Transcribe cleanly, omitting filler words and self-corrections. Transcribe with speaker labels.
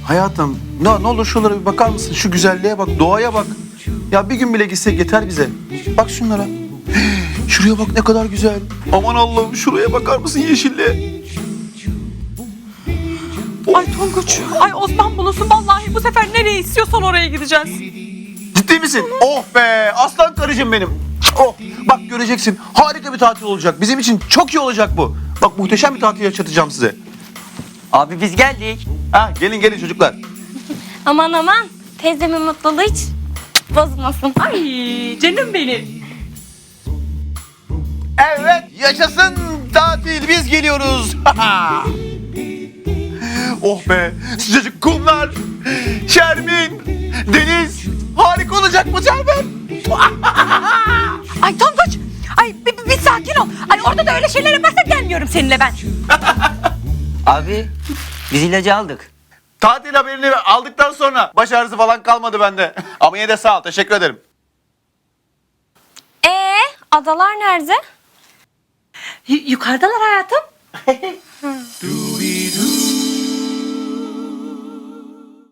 Speaker 1: Hayatım ne olur şuralara bir bakar mısın? Şu güzelliğe bak, doğaya bak. Ya bir gün bile gitsek yeter bize. Bak şunlara. Şuraya bak ne kadar güzel. Aman Allah'ım şuraya bakar mısın yeşilliğe?
Speaker 2: Ay Tonguç, ay Osman bulunsun vallahi bu sefer nereye istiyorsan oraya gideceğiz.
Speaker 1: Ciddi misin? Oh be aslan karıcığım benim. Oh bak göreceksin harika bir tatil olacak. Bizim için çok iyi olacak bu. Bak muhteşem bir tatil yaşatacağım size.
Speaker 3: Abi biz geldik.
Speaker 1: Ha gelin çocuklar.
Speaker 4: Aman aman teyzemin mutluluğu hiç bozulmasın.
Speaker 2: Ay canım benim.
Speaker 1: Evet yaşasın tatil biz geliyoruz. Oh be sıcacık kumlar, Şermin, deniz harika olacak bu Şermin.
Speaker 2: Ay Tonguç, ay bir sakin ol. Ay orada da öyle şeyler yaparsan gelmiyorum seninle ben.
Speaker 3: Abi biz ilacı aldık.
Speaker 1: Tatil haberini aldıktan sonra baş ağrısı falan kalmadı bende. Ama yine de sağ ol teşekkür ederim.
Speaker 4: Adalar nerede?
Speaker 2: Yukarıdalar hayatım.